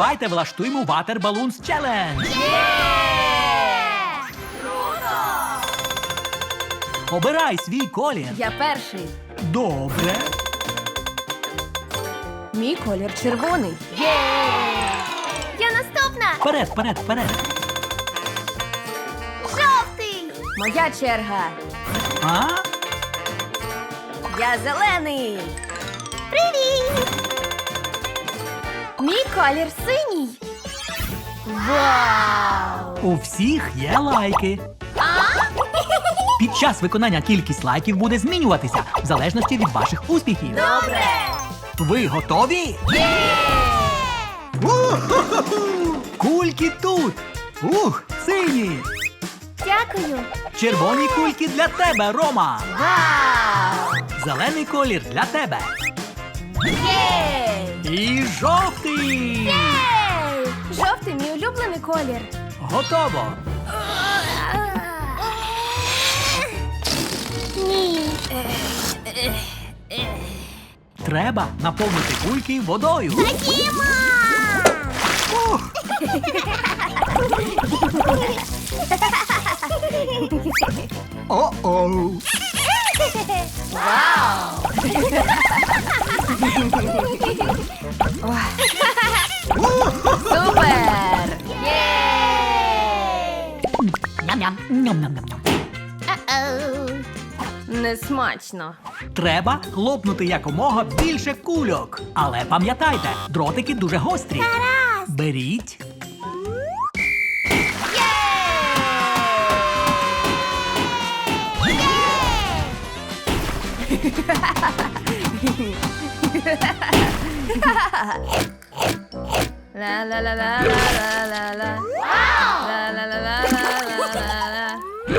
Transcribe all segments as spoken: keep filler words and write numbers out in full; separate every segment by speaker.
Speaker 1: Давайте влаштуємо Water Balloons Challenge. Обирай свій колір.
Speaker 2: Я перший.
Speaker 1: Добре.
Speaker 2: Мій колір червоний.
Speaker 3: Я наступна!
Speaker 1: Вперед, вперед, вперед.
Speaker 3: Жовтий!
Speaker 2: Моя черга.
Speaker 1: А?
Speaker 2: Я зелений.
Speaker 3: Привіт!
Speaker 2: Мій колір синій. Вау!
Speaker 1: У всіх є лайки. Під час виконання кількість лайків буде змінюватися в залежності від ваших успіхів.
Speaker 3: Добре!
Speaker 1: Ви готові? Кульки тут. Ух, сині.
Speaker 3: Дякую!
Speaker 1: Червоні кульки для тебе, Рома.
Speaker 2: Вау!
Speaker 1: Зелений колір для тебе.
Speaker 2: Єй!
Speaker 1: І жовтий.
Speaker 2: Ей! Жовтий мій улюблений колір.
Speaker 1: Готово.
Speaker 3: Ні!
Speaker 1: Треба наповнити кульки водою.
Speaker 3: Ходімо!
Speaker 1: Ух. О-оу.
Speaker 2: Вау! Супер! Єй!
Speaker 1: Ням-ням. Ням-ням-ням-ням.
Speaker 3: О-оу.
Speaker 2: Несмачно.
Speaker 1: Треба хлопнути якомога більше кульок. Але пам'ятайте, дротики дуже гострі.
Speaker 3: Гаразд!
Speaker 1: Беріть.
Speaker 2: ла ла ла ла ла ла ла ла ла ла ла ла ла.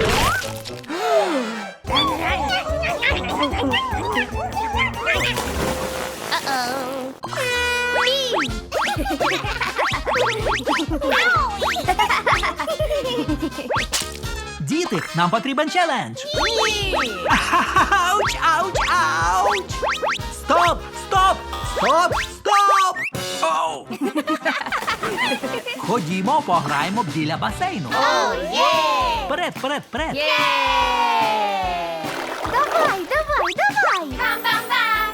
Speaker 3: Uh-oh.
Speaker 1: Діти, нам потрібен челендж.
Speaker 2: Ні!
Speaker 1: Ауч, ауч, ауч! Стоп, стоп, стоп, стоп! Оу! Ходімо, пограємо біля басейну.
Speaker 3: Оу, є!
Speaker 1: Вперед, вперед, вперед.
Speaker 2: Є!
Speaker 3: Давай, давай, давай! Бам-бам-бам!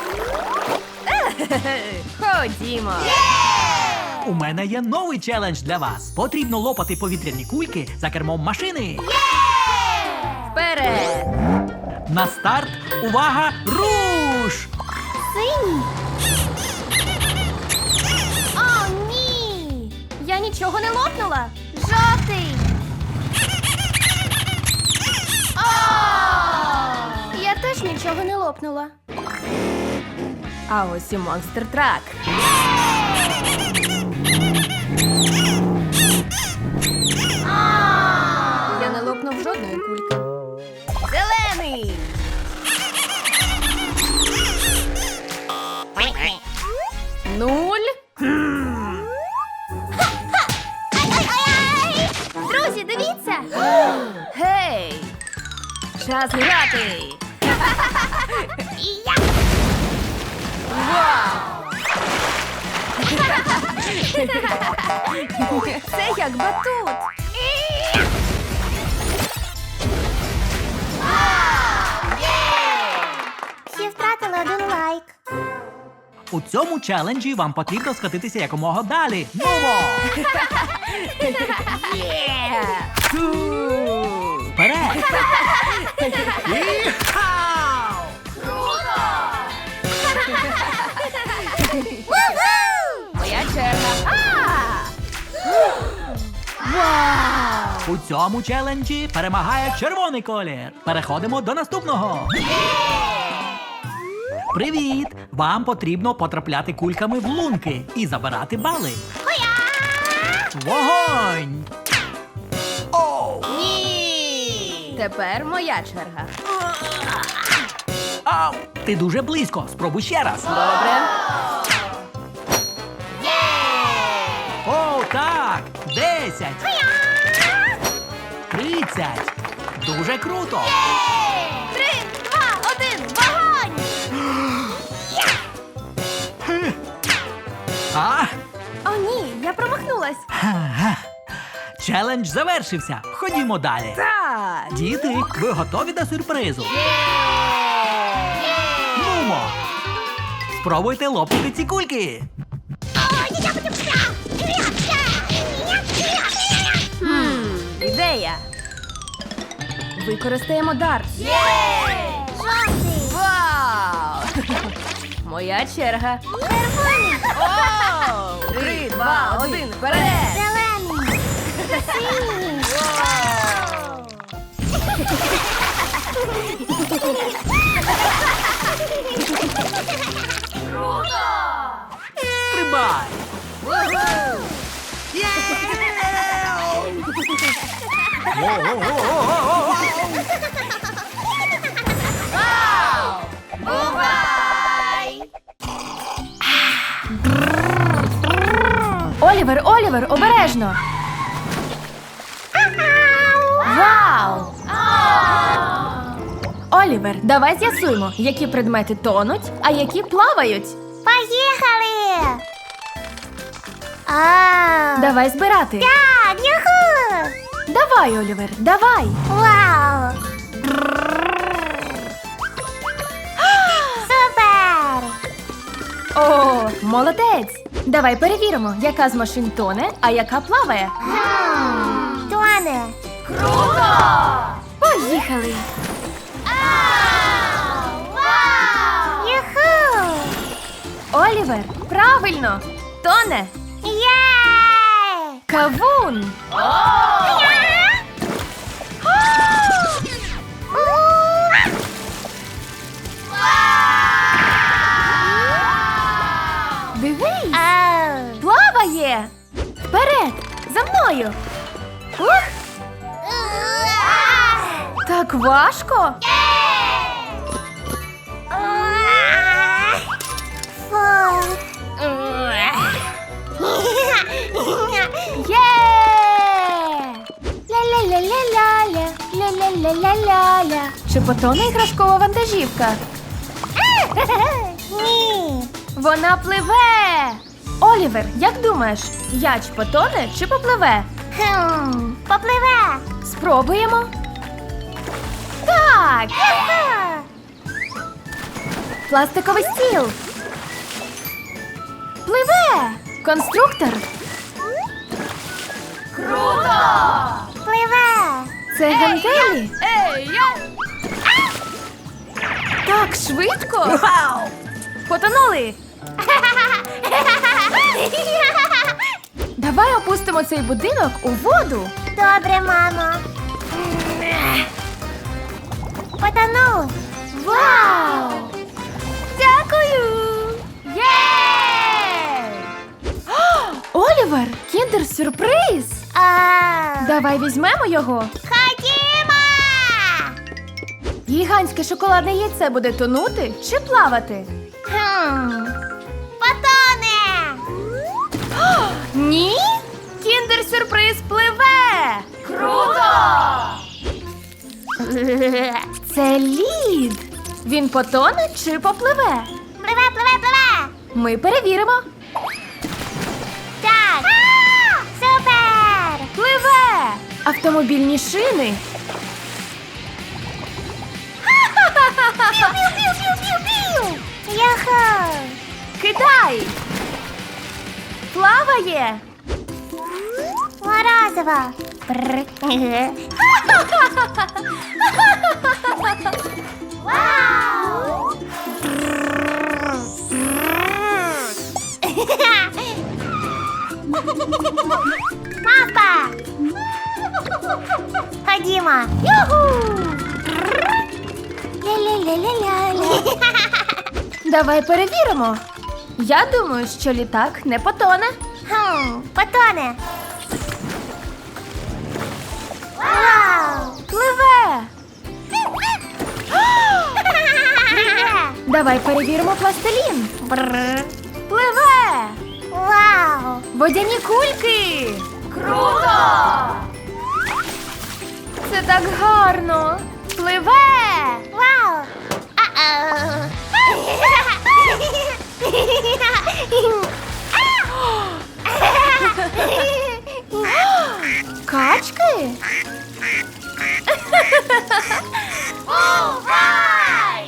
Speaker 2: Ходімо.
Speaker 1: У мене є новий челендж для вас. Потрібно лопати повітряні кульки за кермом машини.
Speaker 2: Вперед!
Speaker 1: На старт, увага, руш!
Speaker 3: Синій! О, ні!
Speaker 2: Я нічого не лопнула.
Speaker 3: Жовтий!
Speaker 2: Я теж нічого не лопнула. А ось і монстр трак. Я не лопнув жодної кульки. Зелений! Нуль.
Speaker 3: Ай-ай-ай! Друзі, дивіться!
Speaker 2: Гей! Час грати!
Speaker 3: І я!
Speaker 2: Це як батут.
Speaker 3: Всі втратили один лайк.
Speaker 1: У цьому челенджі вам потрібно скатитися якомога далі. Нумо!
Speaker 2: Фу.
Speaker 1: Вперед! Іхау!
Speaker 2: Моя черга. Вау!
Speaker 1: У цьому челенджі перемагає червоний колір. Переходимо до наступного. Привіт! Вам потрібно потрапляти кульками в лунки і забирати бали. Вогонь! Оу!
Speaker 2: Ні! Тепер моя черга.
Speaker 1: Ау! Ти дуже близько. Спробуй ще раз.
Speaker 2: Добре.
Speaker 1: О, так! Десять! Тридцять! Дуже круто!
Speaker 3: Три, два, один, вогонь!
Speaker 1: А?
Speaker 2: О, ні! промахнулась.
Speaker 1: Ха-га. Челендж завершився. Ходімо далі.
Speaker 2: Так.
Speaker 1: Діти, ви готові до сюрпризу? Нумо! Спробуйте лопнути ці кульки.
Speaker 2: Хм, ідея. Використаємо дарт.
Speaker 3: Жовтий.
Speaker 2: Вау! Моя черга.
Speaker 3: Червоний.
Speaker 2: Оу! Три, два, один, вперед!
Speaker 3: Зелений. Синій.
Speaker 1: Стрибай!
Speaker 3: Бувай!
Speaker 2: Олівер, Олівер, обережно! Вау! Олівер, давай з'ясуємо, які предмети тонуть, а які плавають.
Speaker 3: Поїхали! А,
Speaker 2: Давай збирати.
Speaker 3: так, юху!
Speaker 2: Давай, Олівер, давай.
Speaker 3: Вау! Супер!
Speaker 2: О, молодець. Давай перевіримо, яка з машин тоне, а яка плаває.
Speaker 3: Тоне!
Speaker 2: Поїхали.
Speaker 3: Юху!
Speaker 2: Олівер, правильно. Тоне.
Speaker 3: Є!
Speaker 2: Кавун. Дивись,
Speaker 3: Ау!
Speaker 2: плаває. Вперед, за мною. Ух, так важко.
Speaker 3: Фу.
Speaker 2: Є! Ля-ля-ля-ля-ля-ля, ля-ля-ля-ля-ля-ля. Чи потоне іграшкова вантажівка?
Speaker 3: Ні.
Speaker 2: Вона пливе. Олівер, як думаєш, яч потоне чи попливе?
Speaker 3: Хм. Попливе.
Speaker 2: Спробуємо. Так!
Speaker 3: Юху.
Speaker 2: Пластиковий стіл. Пливе! Конструктор.
Speaker 3: Пливе.
Speaker 2: Це гантелі. Так швидко.
Speaker 1: Вау!
Speaker 2: Потонули. Давай опустимо цей будинок у воду.
Speaker 3: Добре, мамо. Потонув.
Speaker 2: Вау! Дякую! Є! О, Олівер, кіндер-сюрприз!
Speaker 3: А.
Speaker 2: Давай візьмемо його.
Speaker 3: Ходімо!
Speaker 2: Гігантське шоколадне яйце буде тонути чи плавати?
Speaker 3: Хм. Потоне!
Speaker 2: Ні! Кіндер-сюрприз пливе! Круто! Це лід. Він потоне чи попливе?
Speaker 3: Пливе, пливе, пливе!
Speaker 2: Ми перевіримо.
Speaker 3: Так! Супер!
Speaker 2: Пливе! Автомобільні шини.
Speaker 3: Пів-пів-пів-пів-пів! Юху!
Speaker 2: Кидай! Плаває!
Speaker 3: Морозиво! Бррр. Вау! Мавпа! Ходімо! Юху! Ля-ля-ля-ля-ля-ля.
Speaker 2: Давай перевіримо. Я думаю, що літак не потоне.
Speaker 3: Хм, потоне. Вау!
Speaker 2: Пливе!
Speaker 3: Пливе.
Speaker 2: Давай перевіримо пластилін.
Speaker 3: Бррр.
Speaker 2: Пливе!
Speaker 3: Вау!
Speaker 2: Водяні кульки! Круто! Це так гарно! Пливе!
Speaker 3: Вау! А-оу.
Speaker 2: Качки?
Speaker 3: Вау!